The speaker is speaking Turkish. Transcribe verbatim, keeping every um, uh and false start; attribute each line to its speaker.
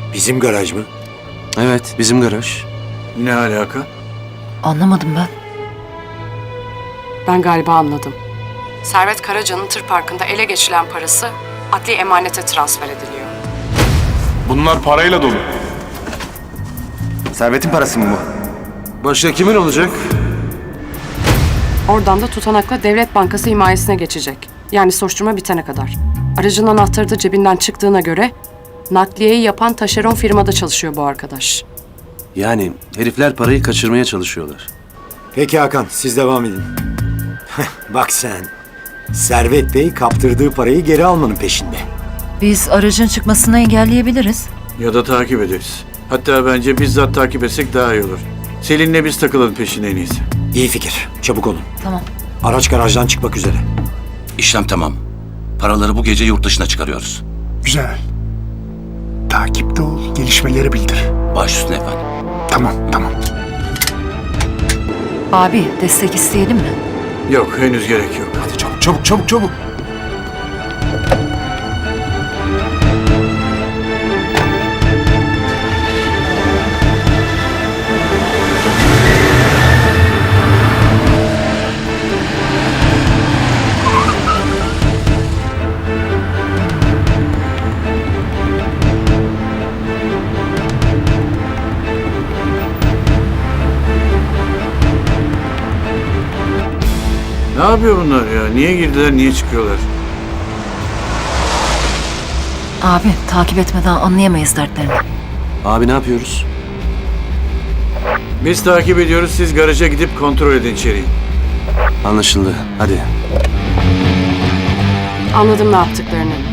Speaker 1: Bizim garaj mı?
Speaker 2: Evet, bizim garaj.
Speaker 3: Ne alaka?
Speaker 4: Anlamadım ben.
Speaker 5: Ben galiba anladım. Servet Karaca'nın tır parkında ele geçirilen parası adli emanete transfer ediliyor.
Speaker 6: Bunlar parayla dolu.
Speaker 2: Servet'in parası mı bu? Başka kimin olacak?
Speaker 5: Oradan da tutanakla Devlet Bankası himayesine geçecek. Yani soruşturma bitene kadar. Aracın anahtarı da cebinden çıktığına göre nakliyeyi yapan taşeron firmada çalışıyor bu arkadaş.
Speaker 2: Yani herifler parayı kaçırmaya çalışıyorlar.
Speaker 1: Peki Hakan, siz devam edin. Bak sen, Servet Bey kaptırdığı parayı geri almanın peşinde.
Speaker 4: Biz aracın çıkmasını engelleyebiliriz.
Speaker 3: Ya da takip ederiz. Hatta bence bizzat takip etsek daha iyi olur. Selin'le biz takılalım peşine en iyisi.
Speaker 1: İyi fikir, çabuk olun.
Speaker 4: Tamam.
Speaker 1: Araç garajdan çıkmak üzere.
Speaker 7: İşlem tamam. Paraları bu gece yurt dışına çıkarıyoruz.
Speaker 8: Güzel. Takipte ol, gelişmeleri bildir.
Speaker 7: Baş üstüne efendim.
Speaker 8: Tamam, tamam.
Speaker 4: Abi destek isteyelim mi?
Speaker 3: Yok, henüz gerek yok.
Speaker 8: Hadi çabuk, çabuk, çabuk, çabuk.
Speaker 3: Ne yapıyor bunlar ya? Niye girdiler, niye çıkıyorlar?
Speaker 4: Abi takip etmeden anlayamayız dertlerini.
Speaker 2: Abi ne yapıyoruz?
Speaker 3: Biz takip ediyoruz, siz garaja gidip kontrol edin içeriği.
Speaker 2: Anlaşıldı. Hadi.
Speaker 5: Anladım ne yaptıklarını.